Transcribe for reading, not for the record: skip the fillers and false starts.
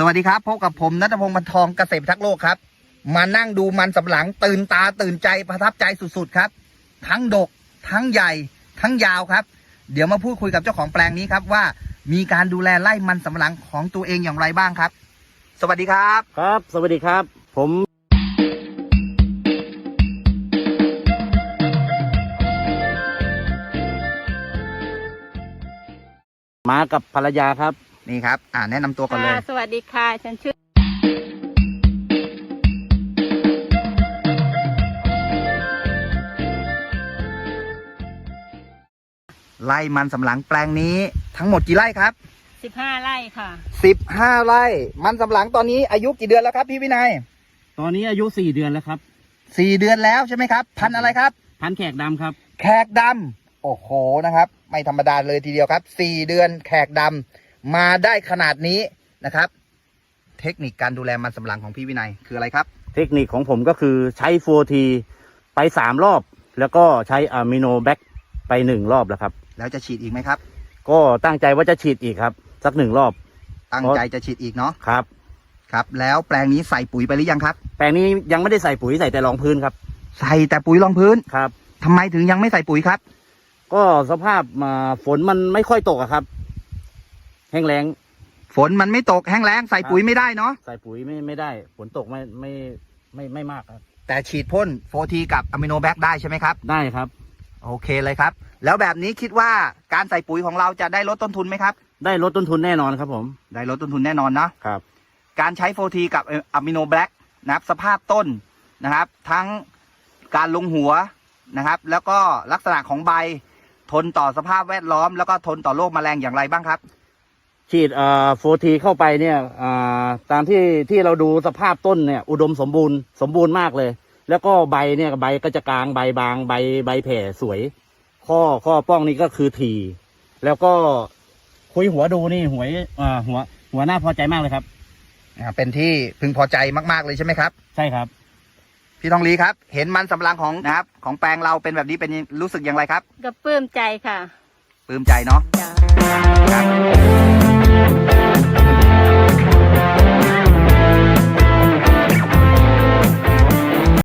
วัสดีครับพบกับผมณัฐพงศ์บรรทองเกษตรพิทักษ์โลกครับมานั่งดูมันสำปะหลังตื่นตาตื่นใจประทับใจสุดๆครับทั้งดกทั้งใหญ่ทั้งยาวครับเดี๋ยวมาพูดคุยกับเจ้าของแปลงนี้ครับว่ามีการดูแลไร่มันสำปะหลังของตัวเองอย่างไรบ้างครับสวัสดีครับครับสวัสดีครับผมมากับภรรยาครับนี่ครับแนะนำตัวก่อนเลยสวัสดีค่ะฉันชื่อไร่มันสำปะหลังแปลงนี้ทั้งหมดกี่ไร่ครับ 15 ไร่ค่ะ 15 ไร่มันสำปะหลังตอนนี้อายุกี่เดือนแล้วครับพี่วินัยตอนนี้อายุ4 เดือนแล้วครับ 4 เดือนแล้วใช่ไหมครับพันธุ์อะไรครับพันธุ์แขกดำครับแขกดำโอ้โหนะครับไม่ธรรมดาเลยทีเดียวครับ4 เดือนแขกดำมาได้ขนาดนี้นะครับเทคนิคการดูแลมันสำปะหลังของพี่วินัยคืออะไรครับเทคนิคของผมก็คือใช้4Tไป3 รอบแล้วก็ใช้อะมิโนแบคไป1 รอบแล้วครับแล้วจะฉีดอีกไหมครับก็ตั้งใจว่าจะฉีดอีกครับสัก1 รอบตั้งใจจะฉีดอีกเนาะครับครับแล้วแปลงนี้ใส่ปุ๋ยไปหรือยังครับแปลงนี้ยังไม่ได้ใส่ปุ๋ยใส่แต่รองพื้นครับใส่แต่ปุ๋ยรองพื้นครับทำไมถึงยังไม่ใส่ปุ๋ยครับก็สภาพฝนมันไม่ค่อยตกครับแห้งแล้งฝนมันไม่ตกแห้งแล้งใส่ปุ๋ยไม่ได้เนาะใส่ปุ๋ยไม่ได้ฝนตกไม่มากครับแต่ฉีดพ่น4Tกับอะมิโนแบคได้ใช่ไหมครับได้ครับโอเคเลยครับแล้วแบบนี้คิดว่าการใส่ปุ๋ยของเราจะได้ลดต้นทุนไหมครับได้ลดต้นทุนแน่นอนครับผมได้ลดต้นทุนแน่นอนนะครับการใช้4Tกับอะมิโนแบคนะครับสภาพต้นนะครับทั้งการลงหัวนะครับแล้วก็ลักษณะของใบทนต่อสภาพแวดล้อมแล้วก็ทนต่อโรคแมลงอย่างไรบ้างครับฉีด4Tเข้าไปเนี่ยตามที่เราดูสภาพต้นเนี่ยอุดมสมบูรณ์มากเลยแล้วก็ใบเนี่ยใบก็จะกลางใบบางใบแผ่สวยข้อป้องนี่ก็คือทีแล้วก็คุยหัวดูนี่หัวหน้าพอใจมากเลยครับเป็นที่พึงพอใจมากๆเลยใช่ไหมครับใช่ครับพี่ทองลีครับเห็นมันสำปะหลังของนะครับของแปลงเราเป็นแบบนี้เป็นรู้สึกอย่างไรครับก็ปลื้มใจค่ะปลื้มใจเนาะครับ